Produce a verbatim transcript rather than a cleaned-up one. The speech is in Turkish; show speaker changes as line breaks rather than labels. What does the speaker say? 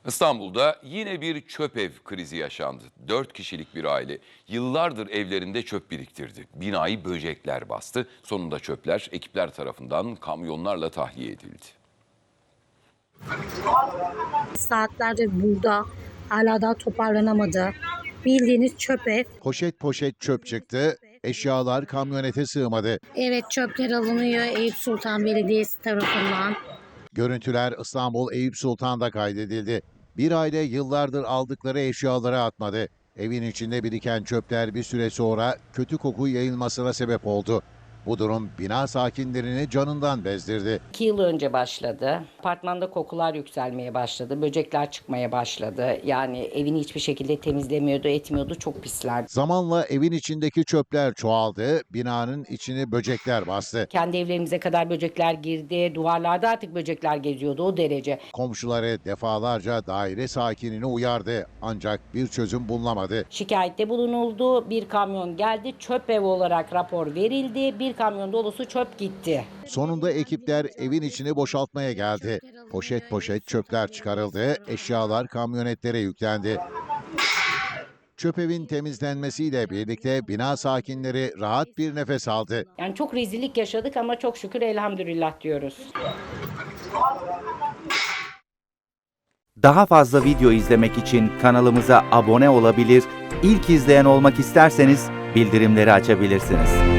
İstanbul'da yine bir çöp ev krizi yaşandı. Dört kişilik bir aile yıllardır evlerinde çöp biriktirdi. Binayı böcekler bastı. Sonunda çöpler ekipler tarafından kamyonlarla tahliye edildi.
Saatlerdir burada, hala daha toparlanamadı. Bildiğiniz çöp ev.
Poşet poşet çöp çıktı, eşyalar kamyonete sığmadı.
Evet, çöpler alınıyor Eyüp Sultan Belediyesi tarafından.
Görüntüler İstanbul Eyüp Sultan'da kaydedildi. Bir aile yıllardır aldıkları eşyaları atmadı. Evin içinde biriken çöpler bir süre sonra kötü koku yayılmasına sebep oldu. Bu durum bina sakinlerini canından bezdirdi.
İki yıl önce başladı. Apartmanda kokular yükselmeye başladı. Böcekler çıkmaya başladı. Yani evini hiçbir şekilde temizlemiyordu, etmiyordu. Çok pislerdi.
Zamanla evin içindeki çöpler çoğaldı, binanın içini böcekler bastı.
Kendi evlerimize kadar böcekler girdi. Duvarlarda artık böcekler geziyordu, o derece.
Komşuları defalarca daire sakinini uyardı ancak bir çözüm bulunamadı.
Şikayette bulunuldu. Bir kamyon geldi. Çöp ev olarak rapor verildi. Bir kamyon dolusu çöp gitti.
Sonunda ekipler evin içini boşaltmaya geldi. Poşet poşet çöpler çıkarıldı, eşyalar kamyonetlere yüklendi. Çöp evin temizlenmesiyle birlikte bina sakinleri rahat bir nefes aldı.
Yani çok rezillik yaşadık ama çok şükür elhamdülillah diyoruz.
Daha fazla video izlemek için kanalımıza abone olabilir, ilk izleyen olmak isterseniz bildirimleri açabilirsiniz.